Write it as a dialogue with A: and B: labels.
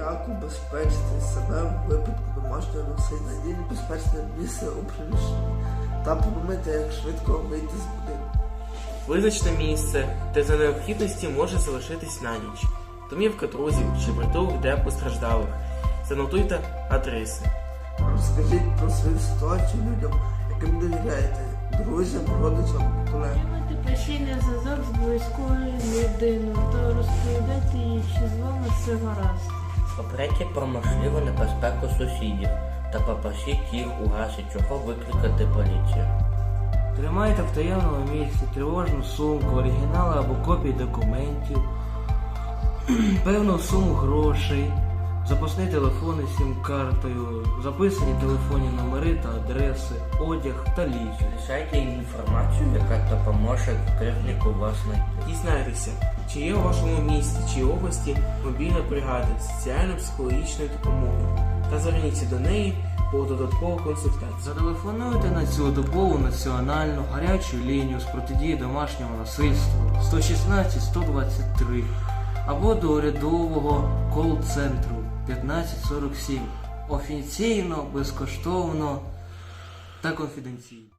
A: як убезпечити себе в випадку домашнього насильства і небезпечне місце у приміщенні, та подумайте, як швидко вийти з будинку.
B: Визначте місце, де за необхідності може залишитись на ніч. Домівка друзів чи притулок для постраждалих. Занотуйте адреси.
A: Розкажіть про свою ситуацію людям, яким довіряєте, друзям, родичам, колегам.
C: Тримайте постійний зв'язок з близькою людиною та розповідайте їй, чи з вами все гаразд.
D: Попередьте про можливу небезпеку сусідів та попросіть їх у разі чого викликати поліцію.
E: Тримайте в таємному місці тривожну сумку, оригінали або копії документів, певну суму грошей, запасний телефон із сім-картою, записані телефонні номери та адреси, одяг та ліки.
D: Лишайте їм інформацію, яка допоможе кривднику вас знайти.
B: Дізнайтеся, чи є у вашому місті чи області мобільна бригада соціально-психологічної допомоги та зверніться до неї по додаткову консультацію.
E: Зателефонуйте на цілодобову національну гарячу лінію з протидії домашньому насильству 116-123 або до урядового кол-центру 1547. Офіційно, безкоштовно та конфіденційно.